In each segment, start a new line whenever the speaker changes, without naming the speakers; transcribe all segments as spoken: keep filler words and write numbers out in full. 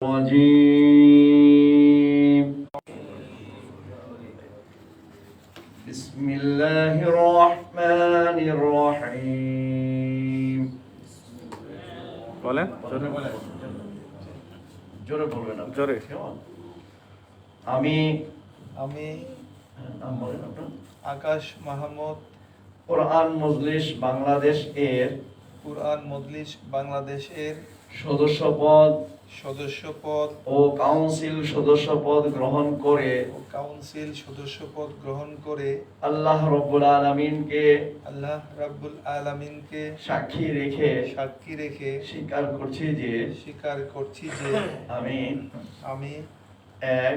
الرجيم بسم الله الرحمن الرحيم
বলেন
জোরে বলবেন
জোরে
আমি
আমি
নাম বলেন আপনার
আকাশ মাহমুদ
কোরআন মজলিস বাংলাদেশ এর
কুরআন মজলিস বাংলাদেশের
সদস্যপদ
সদস্যপদ
ও কাউন্সিল সদস্যপদ গ্রহণ করে
ও কাউন্সিল সদস্যপদ গ্রহণ করে
আল্লাহ রাব্বুল আলামিনকে
আল্লাহ রাব্বুল আলামিনকে
সাক্ষী রেখে
সাক্ষী রেখে
স্বীকার করছি যে
স্বীকার করছি যে
আমি
আমি
এক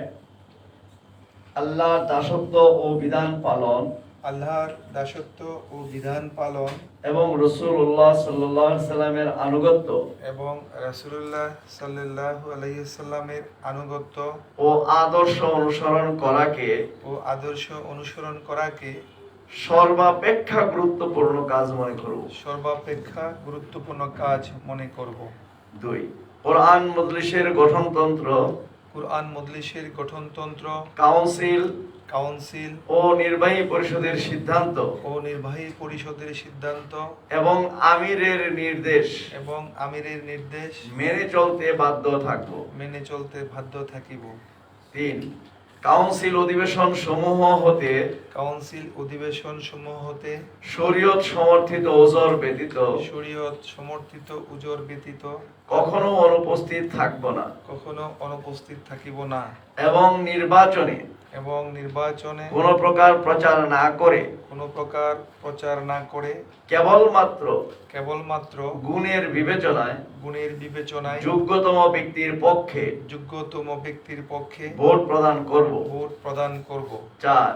আল্লাহর দাসত্ব ও বিধান পালন
আল্লাহর দাসত্ব ও বিধান পালন
এবং রাসূলুল্লাহ সাল্লাল্লাহু আলাইহি সাল্লামের আনুগত্য
এবং রাসূলুল্লাহ সাল্লাল্লাহু আলাইহি সাল্লামের আনুগত্য
ও আদর্শ অনুসরণ করাকে
ও আদর্শ অনুসরণ করাকে
সর্বাপেক্ষা গুরুত্বপূর্ণ কাজ মনে করব।
সর্বাপেক্ষা গুরুত্বপূর্ণ কাজ মনে করব।
দুই কোরআন মজলিসের গঠনতন্ত্র
কুরআন মজলিসের গঠনতন্ত্র
কাউন্সিল
কাউন্সিল
ও নির্বাহী পরিষদের সিদ্ধান্ত
ও নির্বাহী পরিষদের সিদ্ধান্ত
এবং আমিরের নির্দেশ
এবং আমিরের নির্দেশ
মেনে চলতে বাধ্য থাকব।
মেনে চলতে বাধ্য থাকিব।
তিন কাউন্সিল অধিবেশন সমূহ হতে
কাউন্সিল অধিবেশন সমূহ হতে
শরীয়ত সমর্থিত ওজর ব্যতীত
শরীয়ত সমর্থিত উজর ব্যতীত
কখনো অনুপস্থিত থাকব না
কখনো অনুপস্থিত থাকিব না
এবং নির্বাচনে
এবং নির্বাচনে
কোনো প্রকার প্রচার না করে
কোনো প্রকার প্রচার না করে
কেবলমাত্র
কেবলমাত্র
গুণের বিবেচনায়
গুণের বিবেচনায়
যোগ্যতম ব্যক্তির পক্ষে
যোগ্যতম ব্যক্তির পক্ষে
ভোট প্রদান করব।
ভোট প্রদান করব।
চার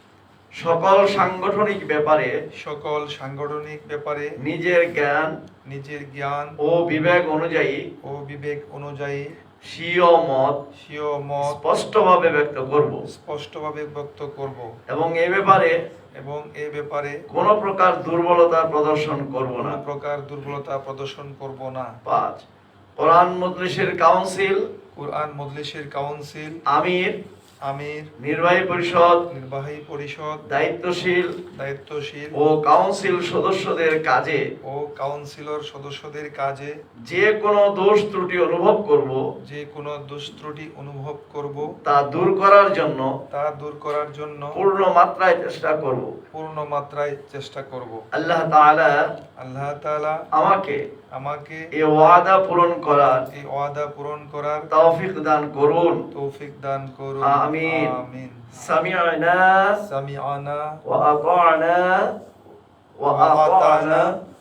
সকল সাংগঠনিক ব্যাপারে
সকল সাংগঠনিক ব্যাপারে
নিজের জ্ঞান
নিজের জ্ঞান
ও বিবেক অনুযায়ী
ও বিবেক অনুযায়ী
স্বীয় মত
স্বীয় মত
স্পষ্টভাবে ব্যক্ত করব
স্পষ্টভাবে ব্যক্ত করব
এবং এ ব্যাপারে
এবং এই ব্যাপারে
কোনো প্রকার দুর্বলতা প্রদর্শন করব না।
কোনো প্রকার দুর্বলতা প্রদর্শন করব না।
পাঁচ কোরআন মজলিসের কাউন্সিল
কুরআন মজলিসের কাউন্সিল
আমির
আমির
নির্বাহী পরিষদ
নির্বাহী পরিষদ
দায়িত্বশীল
দায়িত্বশীল
ও কাউন্সিল সদস্যদের কাজে
ও কাউন্সিলর সদস্যদের কাজে
যে কোনো দোষ ত্রুটি অনুভব করব
যে কোনো দোষ ত্রুটি অনুভব করব
তা দূর করার জন্য
তা দূর করার জন্য
পূর্ণ মাত্রায় চেষ্টা করব।
পূর্ণ মাত্রায় চেষ্টা করব।
আল্লাহ তাআলা
আল্লাহ তাআলা
আমাকে
আমাকে
এই ওয়াদা পূরণ করার
এই ওয়াদা পূরণ করার
তৌফিক দান করুন।
তৌফিক দান করুন।
আমিন।
আমিন।
সামি'না
সামিআনা
ওয়া আতা'না ওয়া
ওয়া
আতা'না
আতা'না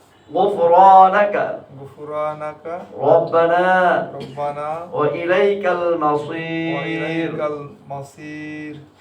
গুফরানাকা
গুফরানাকা
রব্বানা
রব্বানা
ওয়া ইলাইকাল
ওয়া
মাসির।
ইলাইকাল মাসির।